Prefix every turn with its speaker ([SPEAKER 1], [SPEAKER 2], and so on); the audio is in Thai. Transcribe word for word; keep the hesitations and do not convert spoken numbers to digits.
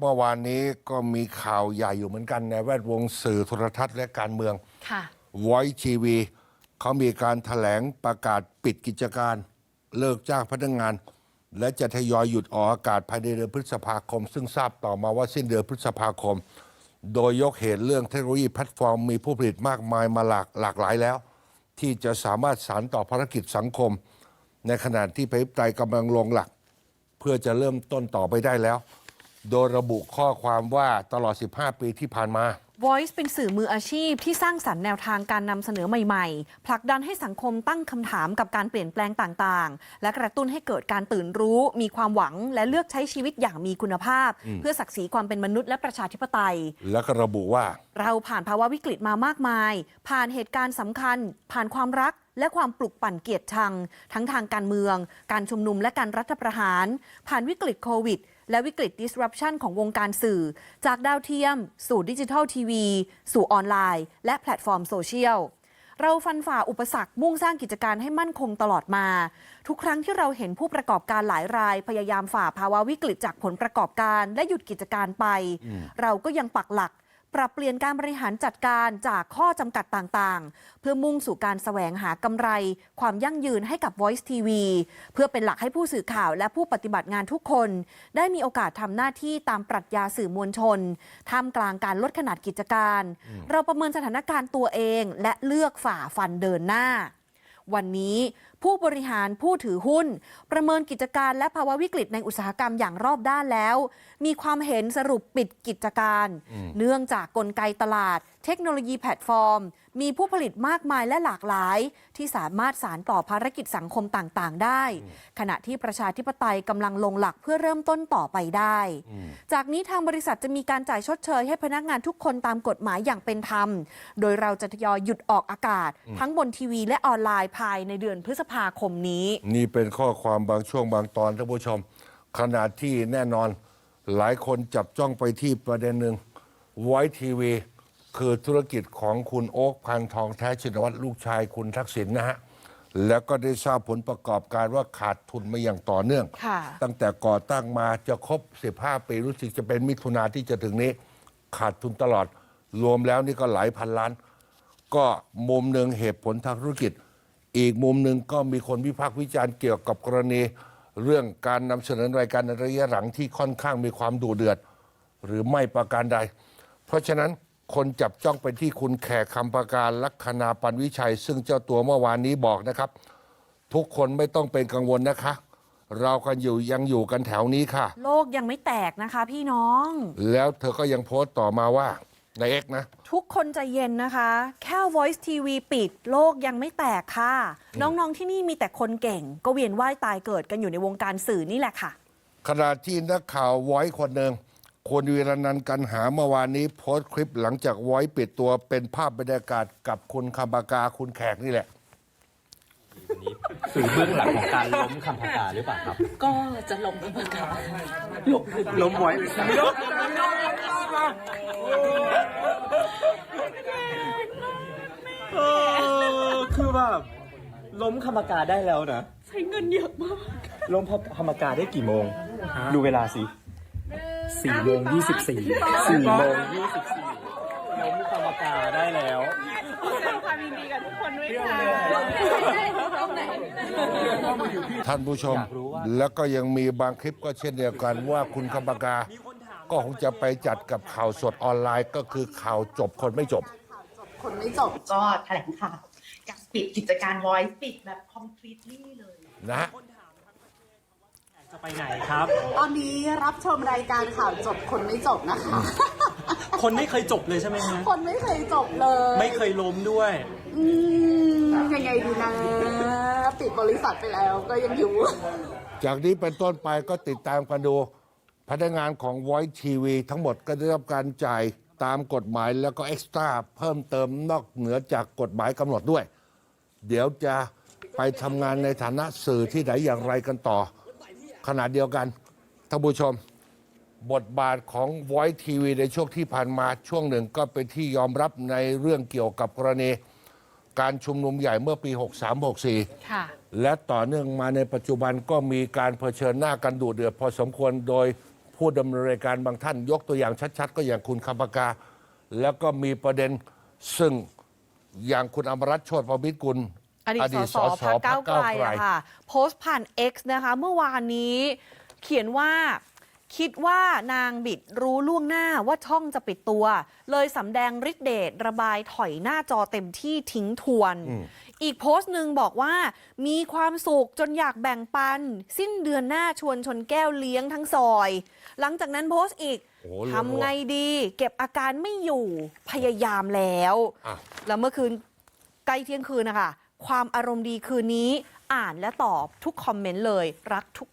[SPEAKER 1] เมื่อวานนี้ก็มีข่าวใหญ่อยู่เหมือนกันในแวดวงสื่อโทรทัศน์และการเมือง
[SPEAKER 2] ค่ะ
[SPEAKER 1] Voice ที วี เขามีการแถลงประกาศปิดกิจการเลิกจ้างพนักงาน และจะทยอยหยุดออกอากาศภายในเดือนพฤษภาคม ซึ่งทราบต่อมาว่าสิ้นเดือนพฤษภาคม โดยยกเหตุเรื่องเทคโนโลยีแพลตฟอร์มมีผู้ผลิตมากมายมาหลากหลากหลายแล้ว ที่จะสามารถสานต่อภารกิจสังคม ในขณะที่ประชาธิปไตยกำลังลงหลัก เพื่อจะเริ่มต้นต่อไปได้แล้ว โดยระบุข้อความว่าตลอด สิบห้า ปีที่ผ่านมา
[SPEAKER 2] Voice เป็นสื่อมืออาชีพที่สร้างสรรค์แนวทางการนำเสนอใหม่ๆ ผลักดันให้สังคมตั้งคำถามกับการเปลี่ยนแปลงต่างๆ และกระตุ้นให้เกิดการตื่นรู้ มีความหวังและเลือกใช้ชีวิตอย่างมีคุณภาพ เพื่อศักดิ์ศรีความเป็นมนุษย์และประชาธิปไตย
[SPEAKER 1] และก็ระบุว่า
[SPEAKER 2] เราผ่านภาวะวิกฤตมามากมาย ผ่านเหตุการณ์สำคัญ ผ่านความรักและความปลุกปั่นเกลียดชัง ทั้งทางการเมือง การชุมนุมและการรัฐประหาร ผ่านวิกฤตโควิดและวิกฤต disruption ของวงการสื่อ จากดาวเทียม สู่ดิจิทัลทีวีสู่ออนไลน์ และแพลตฟอร์มโซเชียล เราฟันฝ่าอุปสรรคมุ่งสร้างกิจการให้มั่นคงตลอดมา ทุกครั้งที่เราเห็นผู้ประกอบการหลายราย พยายามฝ่าภาวะวิกฤตจากผลประกอบการและหยุดกิจการไป เราก็ยังปักหลักปรับเปลี่ยนการบริหารจัดการจากข้อจำกัดต่างๆ เพื่อมุ่งสู่การแสวงหากำไร ความยั่งยืนให้กับ Voice ที วี เพื่อเป็นหลักให้ผู้สื่อข่าวและผู้ปฏิบัติงานทุกคน ได้มีโอกาสทำหน้าที่ตามปรัชญาสื่อมวลชนท่ามกลางการลดขนาดกิจการ เราประเมินสถานการณ์ตัวเองและเลือกฝ่าฟันเดินหน้า วันนี้ผู้บริหารผู้ถือหุ้น ประเมินกิจการและภาวะวิกฤตในอุตสาหกรรมอย่างรอบด้านแล้ว มีความเห็นสรุปปิดกิจการ เนื่องจากกลไกตลาด เทคโนโลยีแพลตฟอร์ม มีผู้ผลิตมากมายและหลากหลาย ที่สามารถสานต่อภารกิจสังคมต่างๆ ได้ ขณะที่ประชาธิปไตยกำลังลงหลักเพื่อเริ่มต้นต่อไปได้ จากนี้ทางบริษัทจะมีการจ่ายชดเชยให้พนักงานทุกคนตามกฎหมายอย่างเป็นธรรม โดยเราจะทยอยหยุดออกอากาศ ทั้งบนทีวีและออนไลน์ภายในเดือนพฤษภาคมนี้
[SPEAKER 1] นี่เป็นข้อความบางช่วงบางตอนท่านผู้ชม ขณะที่แน่นอนหลายคนจับจ้องไปที่ประเด็นหนึ่ง Voice ที วี คือธุรกิจของคุณโอ๊คพันทองแท้ชินวัตรลูกชายคุณทักษิณนะฮะ แล้วก็ได้ทราบผลประกอบการว่าขาดทุนมาอย่างต่อเนื่อง ตั้งแต่ก่อตั้งมาจะครบ สิบห้า ปีรู้สึกจะเป็นมิถุนาที่จะถึงนี้ ขาดทุนตลอด รวมแล้วนี่ก็หลายพันล้าน ก็มุมหนึ่งเหตุผลทางธุรกิจ อีกมุมหนึ่งก็มีคนวิพากษ์วิจารณ์เกี่ยวกับกรณี เรื่องการนำเสนอรายการในระยะหลังที่ค่อนข้างมีความดุเดือด หรือไม่ประการใด เพราะฉะนั้นคนจับจ้องไปที่คุณแขกคำประการลัคนาปันวิชัย ซึ่งเจ้าตัวเมื่อวานนี้บอกนะครับ ทุกคนไม่ต้องเป็นกังวลนะคะ เรากันอยู่ยังอยู่กันแถวนี้ค่ะ
[SPEAKER 2] โลกยังไม่แตกนะคะพี่น้อง
[SPEAKER 1] แล้วเธอก็ยังโพสต์ต่อมาว่าในเอ็กนะ
[SPEAKER 2] ทุกคนใจเย็นนะคะ แค่ Voice ที วี ปิดโลกยังไม่แตกค่ะ น้องๆที่นี่มีแต่คนเก่ง ก็เวียนว่ายตายเกิดกันอยู่ในวงการสื่อนี่แหละค่ะ
[SPEAKER 1] ขณะที่นักข่าวไว้คนหนึ่งคุณวีรนันท์กันหาเมื่อวานนี้โพสต์คลิปหลังจากไว้ปิดตัวเป็นภาพบรรยากาศกับคุณคำปากาคุณแขกนี่แหละ
[SPEAKER 3] สื่อเบื้องหลังของการล้มคำปากาหรือเปล่าครับ
[SPEAKER 4] ก็จะล้มคำปากาล้ม
[SPEAKER 3] ล้มไว้ล้มเออคือแบบล้มคำปากาได้แล้วนะ
[SPEAKER 4] ใช้เงินเยอะมาก
[SPEAKER 3] ล้มคำปากาได้กี่โมงดูเวลาสิสี่โมงยี่สิบสี่สี่โมงยี่สิบสี่ล้มคำปากาได้แล้ว
[SPEAKER 4] แสดงความยินดีกับทุกคนด้วยค่ะ
[SPEAKER 1] ท่านผู้ชมแล้วก็ยังมีบางคลิปก็เช่นเดียวกันว่าคุณคำปากาก็คงจะไปจัดกับข่าวสดออนไลน์ก็คือข่าวจบคนไม่จบ
[SPEAKER 5] คนไม่จบก็แถลงข่าวการปิดกิจการ Voice ปิดแบบ completely เลย
[SPEAKER 1] นะ
[SPEAKER 3] จะไปไหนครับ
[SPEAKER 5] ตอนนี้รับชมรายการข่าวจบคนไม่จบนะคะ
[SPEAKER 3] คนไม่เคยจบเลยใช่ไหมฮะ
[SPEAKER 5] คนไม่เคยจบเลย
[SPEAKER 3] ไม่เคยล้มด้วย
[SPEAKER 5] อืมยังไงดีนะปิดบริษัทไปแล้วก็ยังอยู่
[SPEAKER 1] จากนี้เป็นต้นไปก็ติดตามกันดูพนักงานของ Voice ที วี ทั้งหมดก็ได้รับการจ่ายตามกฎหมายแล้วก็เอ็กซ์ตร้าเพิ่มเติมนอกเหนือจากกฎหมายกำหนดด้วยเดี๋ยวจะไปทำงานในฐานะสื่อที่ไหนอย่างไรกันต่อขณะเดียวกันท่านผู้ชมบทบาทของ Voice ที วี ในช่วงที่ผ่านมาช่วงหนึ่งก็เป็นที่ยอมรับในเรื่องเกี่ยวกับกรณีการชุมนุมใหญ่เมื่อปีหกสาม หกสี่
[SPEAKER 2] ค่ะ
[SPEAKER 1] และต่อเนื่องมาในปัจจุบันก็มีการเผชิญหน้ากันดุเดือดพอสมควรโดยผผู้ดำเนินรายการบางท่านยกตัวอย่างชัดๆ ก็อย่างคุณคำปากา แล้วก็มีประเด็นซึ่งอย่างคุณอมรัตน์โชติประมิตรกุล
[SPEAKER 2] อดีตสสพรรคก้าวไกลอะค่ะโพสต์ผ่าน X นะคะเมื่อวานนี้เขียนว่าคิดว่านางบิดรู้ล่วงหน้าว่าช่องจะปิดตัว เลยสำแดงฤทธิ์เดชระบายถอยหน้าจอเต็มที่ทิ้งทวน อีกโพสต์หนึ่งบอกว่ามีความสุขจนอยากแบ่งปัน สิ้นเดือนหน้าชวนชนแก้วเลี้ยงทั้งซอย หลังจากนั้นโพสต์อีก
[SPEAKER 1] โอ้โห
[SPEAKER 2] ทำไงดี เก็บอาการไม่อยู่พยายามแล้ว
[SPEAKER 1] อ่ะ
[SPEAKER 2] แล้วเมื่อคืนใกล้เที่ยงคืนนะคะความอารมณ์ดีคืนนี้อ่านและตอบทุกคอมเมนต์เลยรักทุก